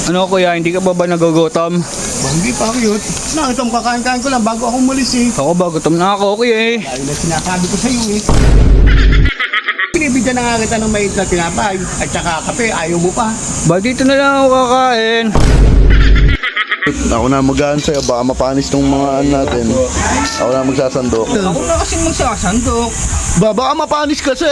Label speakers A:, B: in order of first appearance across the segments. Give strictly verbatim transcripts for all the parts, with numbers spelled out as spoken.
A: Ano kuya, hindi ka pa ba nagugutom?
B: Hindi pa cute. Nakita mo kakain-kain ko lang bago ako umalis eh.
A: Ako ba, gutom na ako kuya eh.
B: Dahil na sinasabi ko sa iyo eh. Pinibigyan na nga kita ng mait na tinapay at saka kape, ayaw mo pa.
A: Ba dito na lang ako kakain.
C: Ako na magaan sa'yo, baka mapanis tong mga ano natin. Ako na magsasandok.
A: Ako na kasi magsasandok.
C: Ba, baka mapanis kasi.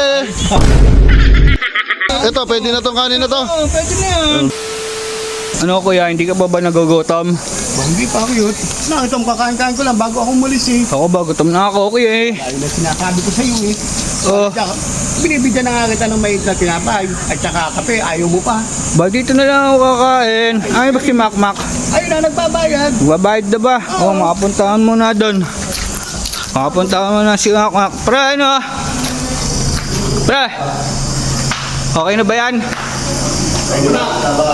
C: Ito, pwede na tong kanin na to.
A: Oo, pwede na yan. Ano kuya, hindi ka pa ba nagugutom?
B: Hindi pa cute. Nakita mo kakain-kain ko lang bago ako umalis eh.
A: Ako ba, gutom na ako kuya eh.
B: Dahil na sinasabi ko sa iyo eh.
A: Oh.
B: At saka, binibigyan na nga kita ng mait na tinapay at saka kape, ayaw mo pa.
A: Ba dito na lang ako kakain. Ay, ba si Makmak?
B: Ayun na, nagbabayad.
A: Babayad na ba? Oo, oh, makapuntahan mo na doon. Makapuntahan mo na si Makmak. Pre, ano? Pre, okay na ba yan?
B: Ayun na,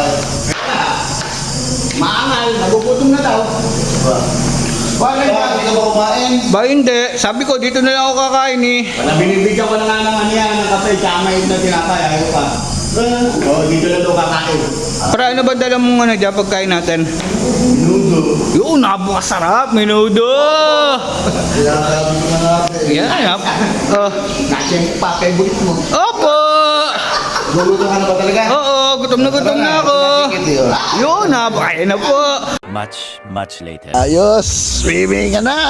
B: maangal, nagugutom na daw. Wala ba? Hindi ka ba kumain?
A: Ba hindi, sabi ko dito na lang ako kakain eh.
B: Wala, binibigyan ko na nga ng ano yan, ng kape, tsaka mait na tinapay, ayaw pa. Oo, dito na daw kakain.
A: Pre, ano ba dala mong ano dyan pagkain natin?
B: Minudo.
A: Yun, napakasarap, minudo!
C: Sinasabi ko na natin.
A: Yan, nap. Oh.
B: Kasi pa, favorite mo.
A: Opo!
C: Luluto ka na ba talaga?
A: Oo, gutom na gutom na ako. Yun, napakain na po.
D: Much, much later.
C: Ayos, swimming ka na.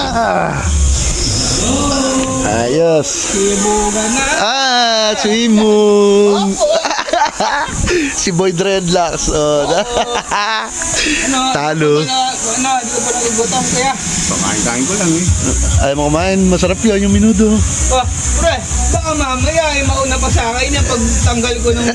C: Ayos.
A: Sibugan na.
C: Ah, swim moon. Si Boy Dreadlocks. Oh.
A: Ano?
C: Talo.
A: Ano, ano, di ko pa nagugutom kaya.
B: Pakain-kain ko lang eh.
C: Ayaw mo kumain, masarap yun yung minudo.
A: Oh, pre, baka mamaya ay mauna pa sa akin yung pagtanggal ko ng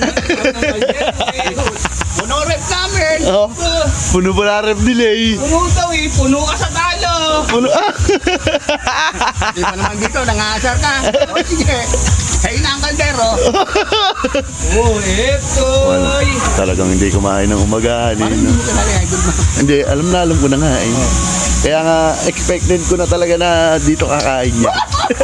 B: Puno rep namin!
C: Oh, puno pa na rep nila eh.
A: Puno daw eh, puno ka sa talo.
C: Puno, ah.
B: Di pa naman dito, nangasar ka. O sige, kayo na ang kaldero.
A: Oh, eto.
C: Talagang hindi kumain ng umagahan eh.
B: Parang
C: No?
B: hindi mo talaga idol mo.
C: Hindi, alam na alam ko na nga eh. Kaya nga, expected ko na talaga na dito kakain niya.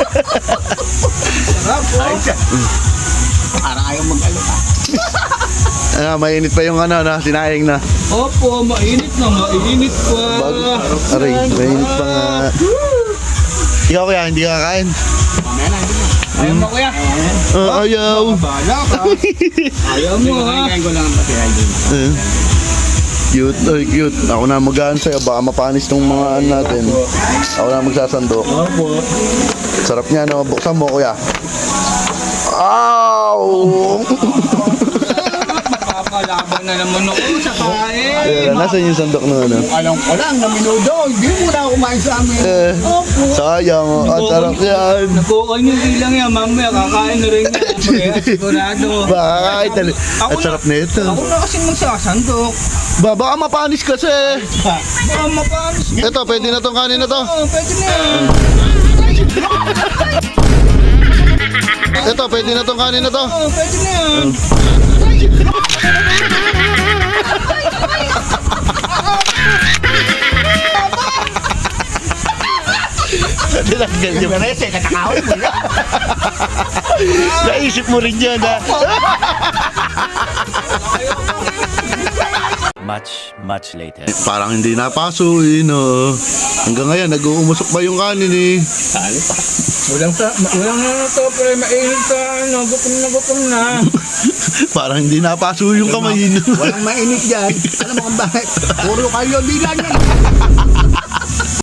A: Sarap po.
B: Ay, siya. Parang ayaw mag-alo ka.
C: Ah, mainit pa yung ano na, sinayang na.
A: Opo, mainit na, mainit pa.
C: Bag, aray, mainit pa nga. Ikaw kaya, hindi ka kakain?
B: Mamaya na, idol mo.
A: Ayaw mo kuya.
C: Ah, ayaw.
A: Bala ka. Ayaw mo ha.
B: Kain ko lang ang pati, idol mo.
C: Eh, Cute, ay cute. Ako na magaan sa'yo, baka mapanis tong mga ano natin. Ako na magsasandok.
A: Opo.
C: Sarap niya, no? Buksan mo, kuya. Ow!
A: Makakalaban na naman ako sa kain.
C: Ayan, nasan yung sandok na ano?
B: Alam ko lang na minudo, hindi mo na kumain sa amin.
C: Eh, sayang, oh. Ang sarap yan.
A: Nakuha niyo ilang yan, mamaya kakain na rin yan. Kaya sigurado.
C: Baka kahit tal-
A: Ako
C: At sarap na ito.
A: Ako na kasi magsasandok.
C: Ba, baka mapanis kasi.
A: Baka mapanis.
C: Ito, pwede na tong kanin na to.
A: Oo, pwede na yan.
C: Ito, pwede na tong kanin na to.
A: Oo, pwede na yan.
C: Tinanggal niyo.
B: Rese, katakawin mo yan.
C: Naisip mo rin yan, ha?
D: Much, much later.
C: Parang hindi napaso, eh, no? Hanggang ngayon, nag-uumusok pa yung kanin, eh.
B: Sali pa.
A: Walang sa, walang na to, pero mainit ka, ano, gutom na gutom na.
C: Parang hindi napaso yung kamay, no?
B: Walang mainit dyan. Alam mo kung bakit? Puro kayo bilan yan.